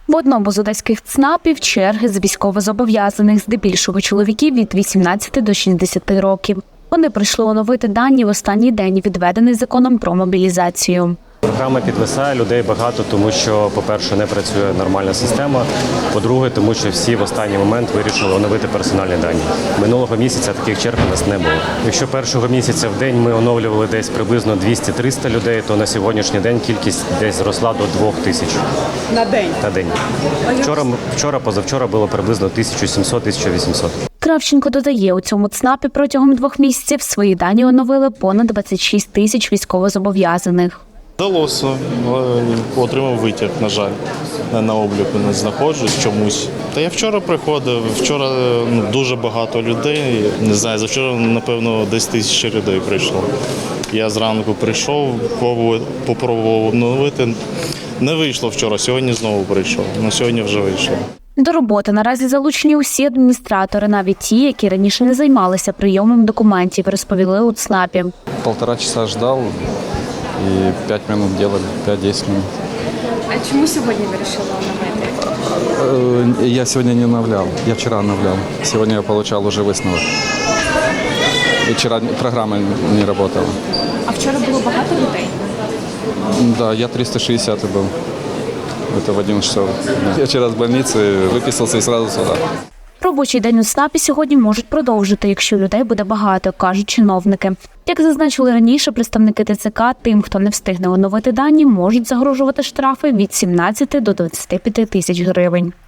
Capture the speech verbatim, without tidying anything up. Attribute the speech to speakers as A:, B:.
A: В одному з одеських ЦНАПів черги з військовозобов'язаних, здебільшого чоловіків від вісімнадцяти до шістдесяти років. Вони прийшли оновити дані в останній день, відведений законом про мобілізацію.
B: Програма підвисає, людей багато, тому що, по-перше, не працює нормальна система, по-друге, тому що всі в останній момент вирішили оновити персональні дані. Минулого місяця таких черг у нас не було. Якщо першого місяця в день ми оновлювали десь приблизно двісті-триста людей, то на сьогоднішній день кількість десь зросла до двох тисяч.
C: На день?
B: На день. Вчора, вчора позавчора було приблизно тисяча сімсот - тисяча вісімсот.
A: Кравченко додає, у цьому ЦНАПі протягом двох місяців свої дані оновили понад двадцять шість тисяч військовозобов'язаних.
D: Вдалося, отримав витяг, на жаль, на обліку не знаходжусь чомусь. Та я вчора приходив, вчора ну, дуже багато людей, не знаю, завчора, напевно, десь тисяча людей прийшло. Я зранку прийшов, попробував обновити, не вийшло вчора, сьогодні знову прийшов, на сьогодні вже вийшло.
A: До роботи наразі залучені усі адміністратори, навіть ті, які раніше не займалися прийомом документів, розповіли у ЦНАПі.
E: Полтора часа ждав і п'ять хвилин робили, п'ять-десять хвилин.
C: А чому сьогодні вирішили оновити?
E: Я сьогодні не оновляв, я вчора оновляв. Сьогодні я отримав вже висновок. І вчора програма не працювала.
C: А вчора було багато людей?
E: Да, я триста шістдесят був. Это в одиннадцать часов. Я вчора з больниці виписався і одразу сюди.
A: Робочий день у ЦНАПі сьогодні можуть продовжити, якщо людей буде багато, кажуть чиновники. Як зазначили раніше представники ТЦК, тим, хто не встигне оновити дані, можуть загрожувати штрафи від сімнадцяти до двадцяти п'яти тисяч гривень.